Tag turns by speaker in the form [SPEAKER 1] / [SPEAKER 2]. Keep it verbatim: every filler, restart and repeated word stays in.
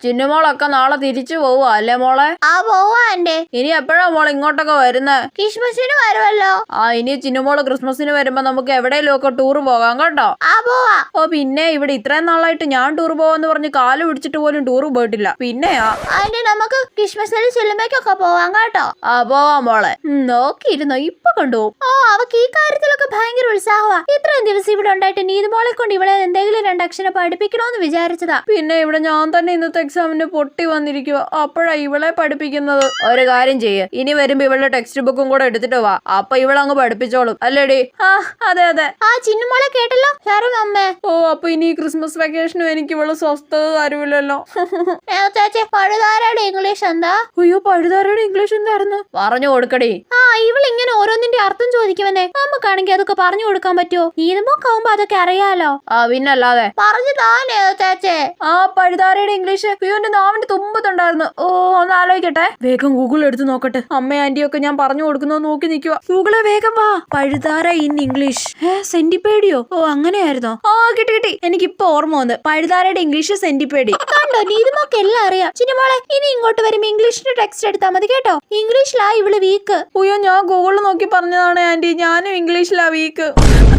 [SPEAKER 1] ചിന്നുമോളൊക്കെ നാളെ തിരിച്ചു പോവാ അല്ലേ മോളെ?
[SPEAKER 2] ആ പോവാ ആന്റി.
[SPEAKER 1] ഇനി എപ്പോഴാ മോളെ ഇങ്ങോട്ടൊക്കെ വരുന്നേ?
[SPEAKER 2] ക്രിസ്മസിന് വരുമല്ലോ.
[SPEAKER 1] ആ ഇനി ചിന്നുമോള് ക്രിസ്മസിന് വരുമ്പോ നമുക്ക് എവിടെയെങ്കിലും ഒക്കെ ടൂർ പോകാം കേട്ടോ.
[SPEAKER 2] ആ പോവാ.
[SPEAKER 1] ഓ പിന്നെ ഇവിടെ ഇത്രയും നാളായിട്ട് ഞാൻ ടൂർ പോവാന്ന് പറഞ്ഞ് കാല് പിടിച്ചിട്ട് പോലും ടൂർ പോയിട്ടില്ല. പിന്നെയാ
[SPEAKER 2] ആന്റി നമുക്ക് ക്രിസ്മസിന് സിനിമയ്ക്കൊക്കെ പോവാം കേട്ടോ.
[SPEAKER 1] ആ പോവാം മോളെ. നോക്കിയിരുന്നോ ഇപ്പൊ കൊണ്ടുപോകും.
[SPEAKER 2] ഓ അവക്ക് ഈ കാര്യത്തിലൊക്കെ ഭയങ്കര ഉത്സാഹമാ. ഇത്രയും ദിവസം ഇവിടെ ഉണ്ടായിട്ട് നീതുമോളെ കൊണ്ട് ഇവളെ എന്തെങ്കിലും രണ്ടക്ഷരം പഠിപ്പിക്കണോന്ന് വിചാരിച്ചതാ.
[SPEAKER 1] പിന്നെ ഇവിടെ ഞാൻ തന്നെ ഇന്നത്തെ എക്സാമിന് പൊട്ടി വന്നിരിക്കുക. അപ്പോഴാ ഇവളെ പഠിപ്പിക്കുന്നത്. ഒരു കാര്യം ചെയ്യ്, ഇനി വരുമ്പോ ഇവളുടെ ടെക്സ്റ്റ് ബുക്കും കൂടെ എടുത്തിട്ട് വാ. അപ്പൊ ഇവളങ്ങ് പഠിപ്പിച്ചോളും അല്ലേടി? ആ അതെ അതെ.
[SPEAKER 2] ആ ചിന്നുമോളെ കേട്ടല്ലോ സാറും അമ്മേ.
[SPEAKER 1] ഓ അപ്പൊ ഇനി ക്രിസ്മസ് വെക്കേഷനും എനിക്ക് ഇവള് സ്വസ്ഥത തരുമില്ലല്ലോ.
[SPEAKER 2] ചേച്ചി പഴുതാരയുടെ ഇംഗ്ലീഷ് എന്താ?
[SPEAKER 1] അയ്യോ പഴുതാരയുടെ ഇംഗ്ലീഷ് എന്തായിരുന്നു? പറഞ്ഞു കൊടുക്കടി.
[SPEAKER 2] ആ ഇവൾ ഇങ്ങനെ ഓരോന്നിന്റെ അർത്ഥം ചോദിക്കുമെന്നേ. നമുക്കാണെങ്കിൽ അതൊക്കെ പറഞ്ഞു കൊടുക്കാൻ പറ്റുമോ? നീതുമോക്കാവുമ്പോ അതൊക്കെ അറിയാലോ.
[SPEAKER 1] ആ പിന്നല്ലാതെ.
[SPEAKER 2] പറഞ്ഞു താനേ ചേച്ചേ.
[SPEAKER 1] ആ പഴുതാരയുടെ ഇംഗ്ലീഷ് അയ്യോന്റെ നാവിന്റെ തുമ്പത്തുണ്ടായിരുന്നു. ഓ ഒന്ന് ആലോചിക്കട്ടെ. വേഗം ഗൂഗിൾ എടുത്ത് നോക്കട്ടെ. അമ്മ ആന്റിയും ഒക്കെ ഞാൻ പറഞ്ഞു കൊടുക്കുന്നത് നോക്കി നിൽക്കുക. ഗൂഗിളെ വേഗം വാ. പഴുതാര ഇൻ ഇംഗ്ലീഷ്. ഏ സെന്റിപ്പേഡിയോ? ഓ അങ്ങനെയായിരുന്നോ? ആ കിട്ടി കിട്ടി. എനിക്കിപ്പോ ഓർമ്മ വന്ന്. പഴുതാരയുടെ ഇംഗ്ലീഷ് സെന്റിപ്പേഡി.
[SPEAKER 2] കണ്ടോ നീതുമോക്ക് എല്ലാം അറിയാം. ചിന്നുമോളെ ഇനി ഇങ്ങോട്ട് വരുമ്പോ ഇംഗ്ലീഷിന്റെ ടെക്സ്റ്റ് എടുത്താൽ മതി കേട്ടോ. ഇംഗ്ലീഷിലാ ഇവള് വീക്ക്.
[SPEAKER 1] അയ്യോ ഞാൻ ഗൂഗിളിൽ നോക്കി പറഞ്ഞതാണ് ആന്റി. ഞാനും ഇംഗ്ലീഷിലാ വീക്ക്.